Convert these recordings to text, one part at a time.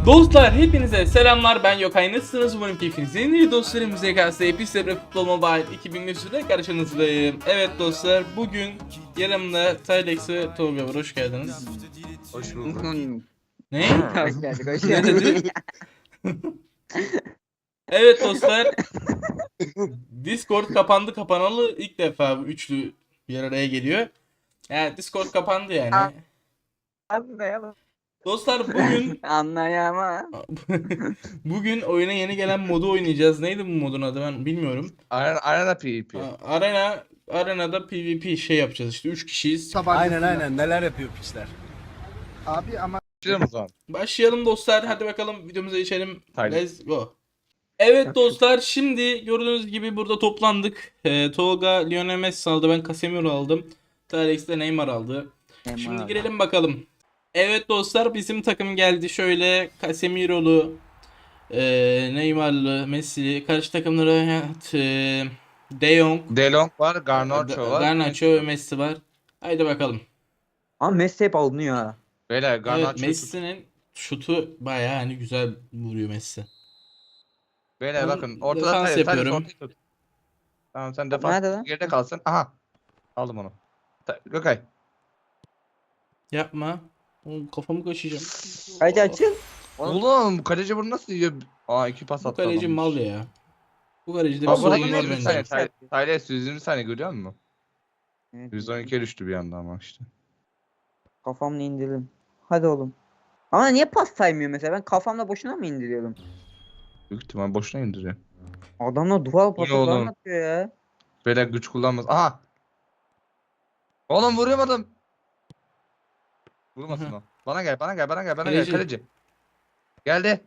Dostlar hepinize selamlar, ben Yokay. Nasılsınız? Umarım keyfiniz yerinde. Dostlarım, MZKS Epistebre Futbol Mobile 2023'de karşınızdayım. Evet dostlar, bugün yanımda Tylex ve Tolga var. Hoş geldiniz. Hoş bulduk. Ne? Hoş geldik, hoş Ne geldik. dedi? Evet dostlar, Discord kapandı, kapanalı ilk defa bu üçlü bir araya geliyor. Yani Discord kapandı yani. Anlayamam. Dostlar bugün Anlayamam. bugün oyuna yeni gelen modu oynayacağız. Neydi bu modun adı, ben bilmiyorum. Arena PvP. Arenada PvP şey yapacağız işte, 3 kişiyiz. Aynen neler yapıyor piçler. Abi ama Başlayalım o zaman. Başlayalım dostlar, hadi bakalım videomuza geçelim. Haydi. Let's go. Evet dostlar, şimdi gördüğünüz gibi burada toplandık. Tolga Lionel Messi aldı, ben Casemiro aldım. Tylex de Neymar aldı. Şimdi girelim bakalım. Evet dostlar, bizim takım geldi. Şöyle Casemiro'lu, Neymar'lı, Messi'li. Karşı takımlara De Jong, De Jong var, Garnacho var. Garnacho ve Messi var. Haydi bakalım. Ama Messi hep alınıyor ha. Beyler Evet, Garnacho Messi'nin şutu bayağı hani güzel vuruyor Messi. Beyler Ben bakın ortada defans Tyler yapıyorum. ortayı tut. Tamam sen Nerede defans lan? geride kalsın. Aha. Aldım onu. Gökay. Yapma. Oğlum, kafamı kaşıyacağım. Hadi açıl. Oğlum kaleci bunu nasıl yiyor? Aa iki pas Bu attı kaleci adam. mal ya. Bu kalecide bir Abi buna sorun var gidelim bir saniye. bence. Tyler 120 saniye görüyor musun? Evet, 112'ye düştü bir anda ama işte. kafamla indirdim. Hadi oğlum. Ama niye pas saymıyor mesela? Ben kafamla boşuna mı indiriyorum? Büyük ihtimal boşuna indiriyor. Adamlar duvar pası oğlum? falan atıyor ya. Beyler güç kullanmaz. Aha. Oğlum vuramadım. Vurmasın o. Bana gel. Bana Kaleci. gel kaleci. Geldi.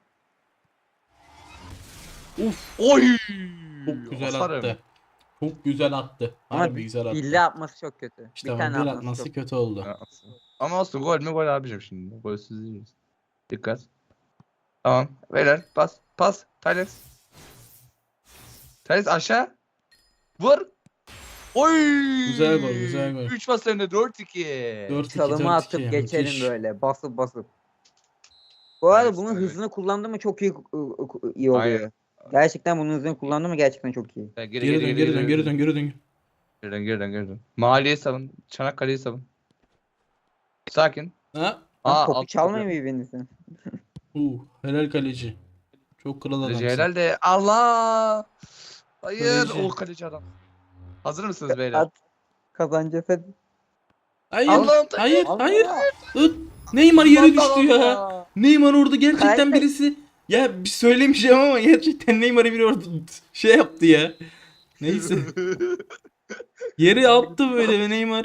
Uf, Oy! çok güzel Asarım. attı. Çok güzel attı. Ama Harbi güzel attı. ille atması çok kötü. İşte bir ama tane bir atması atması çok. kötü oldu. Ya, ama olsun gol mü gol abicim şimdi. Golsüz değiliz. Dikkat. Tamam. Beyler pas. Tyler. Tyler aşağı. Vur. Oy! Güzel gol. 3 pas önde 4-2. 4-2, Çalımı atıp 4-2, geçelim müthiş. böyle. Basıp. Bu arada Evet, bunun evet. hızını kullandı mı çok iyi oluyor. Aynen. Gerçekten bunun hızını kullandı mı gerçekten çok iyi. Geri dön. Geri dön. Mahalleyi savun. Çanakkale'yi savun. Sakin. Ha? Lan topu alt çalmayın birbirinize. Helal kaleci. Çok kral Kaleci adamsın. herhalde. Allah! Hayır. Kaleci. O kaleci adam. Hazır mısınız beyler? At. Kazanacağız hadi. Hayır. Allah'ım, Hayır. Allah. Hayır. Ih, Neymar yere düştü ya. Allah! Neymar orada gerçekten Hayır. birisi. Ya bir söylemeyeceğim ama gerçekten Neymar'ı biri orada şey yaptı ya. Neyse. Yere attı böyle ve Neymar.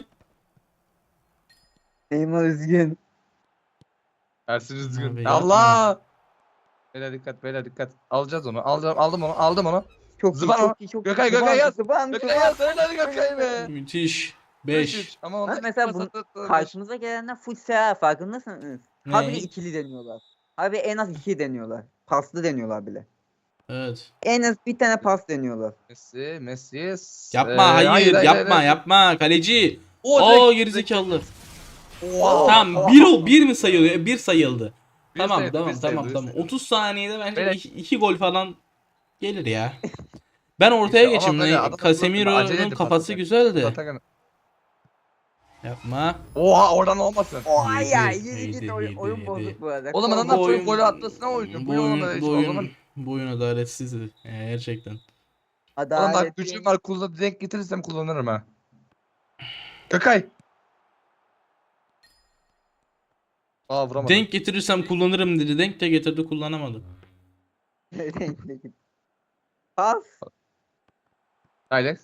Neymar üzgün. Ersin üzgün. Abi Allah! Beyler dikkat. Alacağız onu. Aldım onu. Çok Zıban iyi, o. çok iyi, çok Gökay, iyi. Gökay yaz. Zıban. Gökay yaz. Hadi Gökay be. Müthiş. 5. 5-3. Ama Lan onlar mesela bu karşımıza gelenler full seha farkındasınız. Habire Ne? ikili deniyorlar. Habire en az 2 deniyorlar. Paslı deniyorlar bile. Evet. En az bir tane pas deniyorlar. Messi. Yapma, hayır, yapma kaleci. Aa, gerizekalı. Tamam, bir mi sayılıyor? Bir sayıldı. Tamam. 30 saniyede bence Beyler. 2 gol falan gelir ya. Ben ortaya İşte, geçeyim. ama böyle adam acele Casemiro'nun edip kafası atacak. güzeldi. Yapma. Oha oradan olmasın. Oha ya Yedi, yedi git yedi, oyun yedi. bozuk bu arada. Oğlum adamlar çocuk golü atlasına oynuyor. Bu yolda hiç o zaman. Bu oyun adaletsizdi. Gerçekten. Oğlum bak Adalet gücüm var denk getirirsem kullanırım ha. Gökay. Aa vuramadım. Denk getirirsem kullanırım dedi. Denk de getirdi, kullanamadı. Pas. Tyler.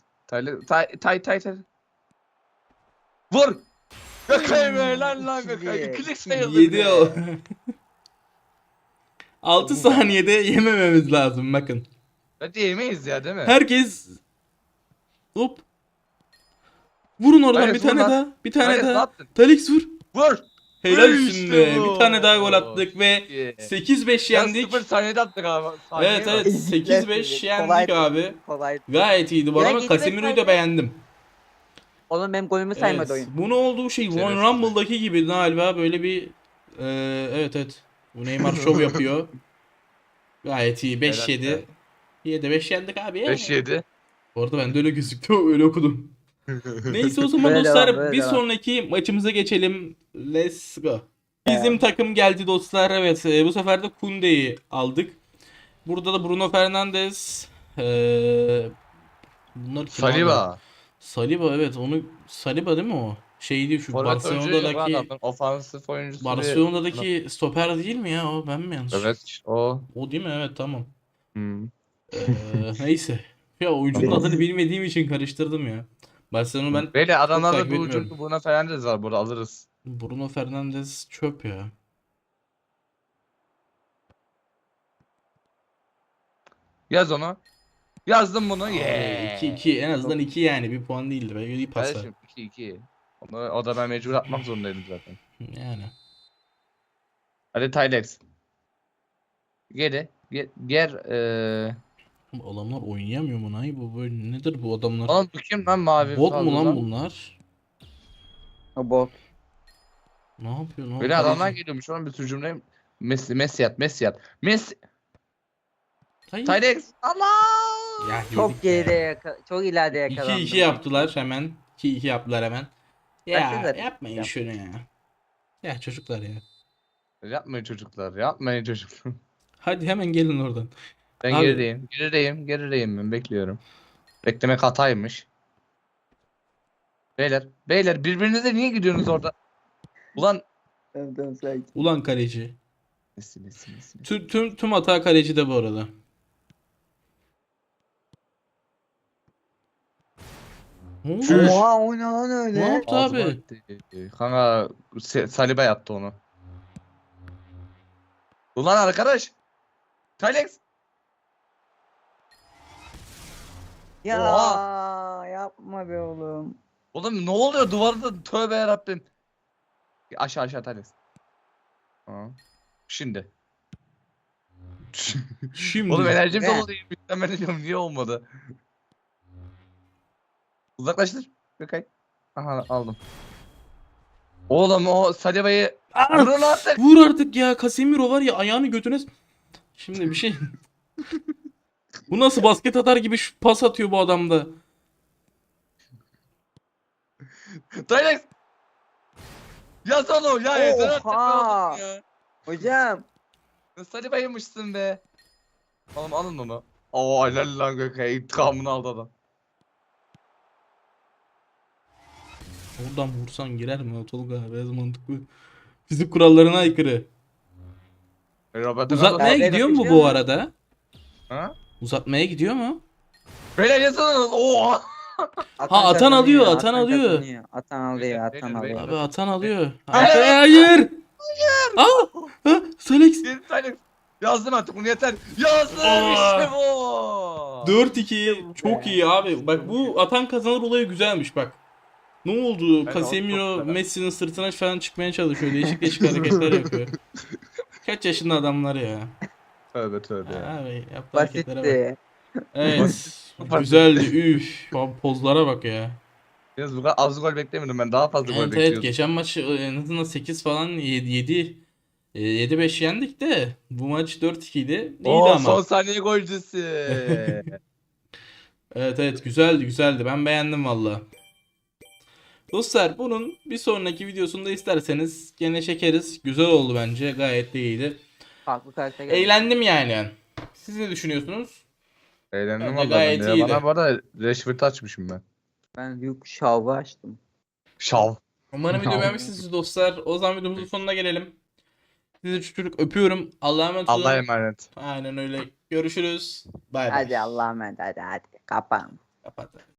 Vur. Gökay be lan Gökay. İkilik sayıldı. 7 o. 6 saniyede yemememiz lazım bakın. Hadi yemeyiz ya değil mi? Herkes hop. Vurun oradan Hayır, bir tane vur lan. daha. Bir tane Hayır, ne daha. yaptın? Talix vur. Vur. Helal İşte olsun be. bu. Bir tane daha gol attık ve Yeah. 8-5 Ya yendik. 0 saniyede attık abi. Evet evet, 8-5 yendik abi. Kolay. Gayet iyiydi bu Ya, arada. 7-5 Casemiro'yu da beğendim. Oğlum benim golümü saymadı Evet. oyun. Bunu olduğu şey Royal Şerefsiz. Rumble'daki gibi galiba böyle bir evet. Bu Neymar şov yapıyor. Gayet iyi. 5-7. Helal be. 7-5 yendik abi. 5-7. Bu arada ben de öyle gözüktü. Öyle okudum. Neyse o zaman Böyle dostlar devam, böyle bir devam. sonraki maçımıza geçelim. Let's go. Bizim takım geldi dostlar. Evet bu sefer de Koundé'yi aldık. Burada da Bruno Fernandes. Bunlar kim abi? Saliba. Saliba evet onu Saliba değil mi o? Şey değil şu Forvet oyuncu değil mi bu Barcelona'daki adamın? Ofansif oyuncusu Barcelona'daki stoper değil mi ya o ben mi yanlış? Evet o. O değil mi? Evet tamam. Hmm. Neyse. Ya oyuncunun adını bilmediğim için karıştırdım ya. Barcelona ben Böyle çok adamlarda takip bu etmiyorum. ucunda Bruno Fernandes var burada alırız. Bruno Fernandes çöp ya. Yaz onu. Yazdım bunu. Abi, Yeah. 2-2 en azından 2 yani bir puan değildi. Belki iyi pas ver. Kardeşim 2-2. O da ben mecbur atmak zorundaydım zaten. Yani. Hadi Tylex. Geri. Ger. Bu adamlar oynayamıyor mu? Nay bu böyle nedir bu adamlar? Oğlum bu kim lan mavi? Bot mu fazla lan bunlar? O bot. Ne yapıyor? Ne Böyle yapıyor? adamlar geliyormuş. Onun bir sürü cümle. Messi yat. Messi. Hayır. Tylex. Allah. Ya Çok yedik geride ya. çok ileride yakalandım. 2-2 yaptılar hemen. 2-2 yaptılar hemen. Ya Başka zaten yapmayın yap. şunu ya. Ya çocuklar ya. Yapmayın çocuklar. Yapmayın çocuklar. Hadi hemen gelin oradan. Ben Abi. gerideyim ben bekliyorum. Beklemek hataymış. Beyler birbirinize niye gidiyorsunuz orada? Ulan Tamam, sakin. Ulan kaleci. Messi. Tüm hata kaleci de bu arada. Ne oldu? Çüş. Oha o ne lan Ne öyle? yaptı Ağzıma abi? etti. Kanka Saliba yaptı onu. Ulan arkadaş. Tylex. Ya Oha. yapma be oğlum. Oğlum ne oluyor duvarda? Tövbe yarabbim. Aşağı Tylex. Tamam. Şimdi. Şimdi. Oğlum enerjim Ne? dolu değil. Ben diyorum niye olmadı? Uzaklaştır. Gökay. Aha aldım. Oğlum o Saliba'yı Aa! vurun artık. Vur artık ya. Casemiro var ya ayağını götüne. Şimdi bir şey. Bu nasıl basket atar gibi pas atıyor bu adamda. Tylex. Yaz onu ya yeter artık be Oha. oğlum ya. Hocam. Saliba'ymışsın be. Oğlum alın onu. Oo helal lan Gökay. İntikamını aldı adam. Oradan vursan girer mi Tolga? Biraz mantıklı. Fizik kurallarına aykırı. Roberto Uzatmaya Nerede gidiyor mu yapışıyor bu mu? arada? Ha? Uzatmaya gidiyor mu? Beyler yazın. Oha. Atan alıyor, kazanıyor, atan alıyor. kazanıyor. Atan alıyor, Beyler, atan beyler. alıyor. Abi atan alıyor. Hayır. Hayır. Aa! Ha, Selex. Bir Tylex. Yazdım artık bunu yeter. Yazdım Aa. işte bu. 4-2 çok iyi abi. Bak bu atan kazanır olayı güzelmiş bak. Ne oldu? Ben Casemiro çok Messi'nin sırtına falan çıkmaya çalışıyor. Değişik değişik hareketler yapıyor. Kaç yaşında adamlar ya. Tövbe ya. Abi yaptığı hareketlere bak. Basitti. Evet. Basit. Güzeldi. Üf. Abi pozlara bak ya. Yalnız bu kadar az gol beklemiyordum ben. Daha fazla gol Evet evet bekliyordum. geçen maçı en azından 8 falan 7-5 yendik de bu maç 4-2 idi. İyiydi Oo, ama. son saniye golcüsü. Evet evet güzeldi. Ben beğendim valla. Dostlar bunun bir sonraki videosunda isterseniz gene çekeriz. Güzel oldu bence. Gayet de iyiydi. Farklı karakter geldi. Eğlendim yani. Siz ne düşünüyorsunuz? Eğlendim Bence valla gayet ben de. iyiydi. Bana bu arada Rashford'u açmışım ben. Ben Luke Shaw'u açtım. Şav. Umarım video beğenmişsiniz dostlar. O zaman videomuzun sonuna gelelim. Sizi çocuk öpüyorum. Allah'a emanet olun. Allah'a emanet. Aynen öyle. Görüşürüz. Bay bay. Hadi Allah'a emanet hadi. Kapan. Kapat.